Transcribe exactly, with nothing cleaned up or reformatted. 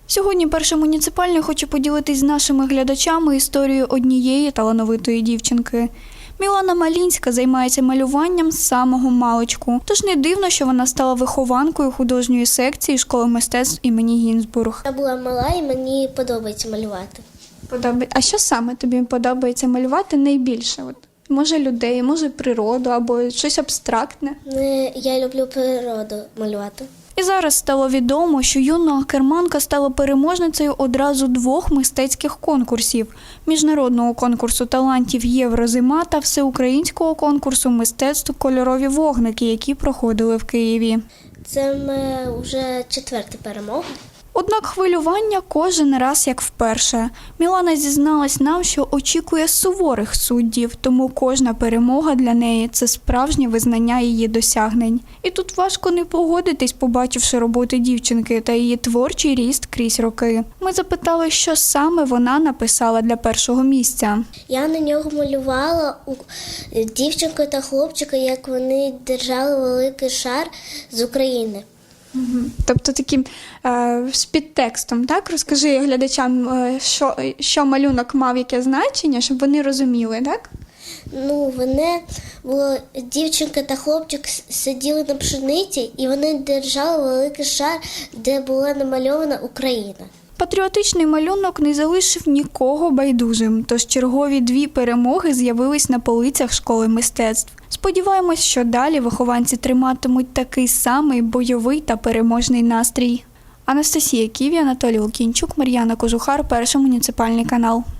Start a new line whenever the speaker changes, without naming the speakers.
Сьогодні перший муніципальний хоче поділитись з нашими глядачами історією однієї талановитої дівчинки. Мілана Малінська займається малюванням з самого маличку. Тож не дивно, що вона стала вихованкою художньої секції школи мистецтв імені Гінзбург.
Я була мала і мені подобається малювати.
Подобається. А що саме тобі подобається малювати найбільше? От, може людей, може природу або щось абстрактне?
Не, Я люблю природу малювати.
І зараз стало відомо, що юна керманка стала переможницею одразу двох мистецьких конкурсів – міжнародного конкурсу талантів «Єврозима» та всеукраїнського конкурсу мистецтв «Кольорові вогники», які проходили в Києві.
Це ми вже четверта перемога.
Однак хвилювання кожен раз як вперше. Мілана зізналась нам, що очікує суворих суддів, тому кожна перемога для неї – це справжнє визнання її досягнень. І тут важко не погодитись, побачивши роботи дівчинки та її творчий ріст крізь роки. Ми запитали, що саме вона написала для першого місця.
Я на нього малювала у дівчинку та хлопчика, як вони держали великий шар з України.
Угу. Тобто таким е, з підтекстом, так? Розкажи глядачам, е, що, що малюнок мав, яке значення, щоб вони розуміли, так?
Ну, вони було дівчинка та хлопчик сиділи на пшениці, і вони держали великий шар, де була намальована Україна.
Патріотичний малюнок не залишив нікого байдужим, тож чергові дві перемоги з'явились на полицях школи мистецтв. Сподіваємось, що далі вихованці триматимуть такий самий бойовий та переможний настрій. Анастасія Ківі, Анатолій Лукінчук, Мар'яна Кожухар, Перший муніципальний канал.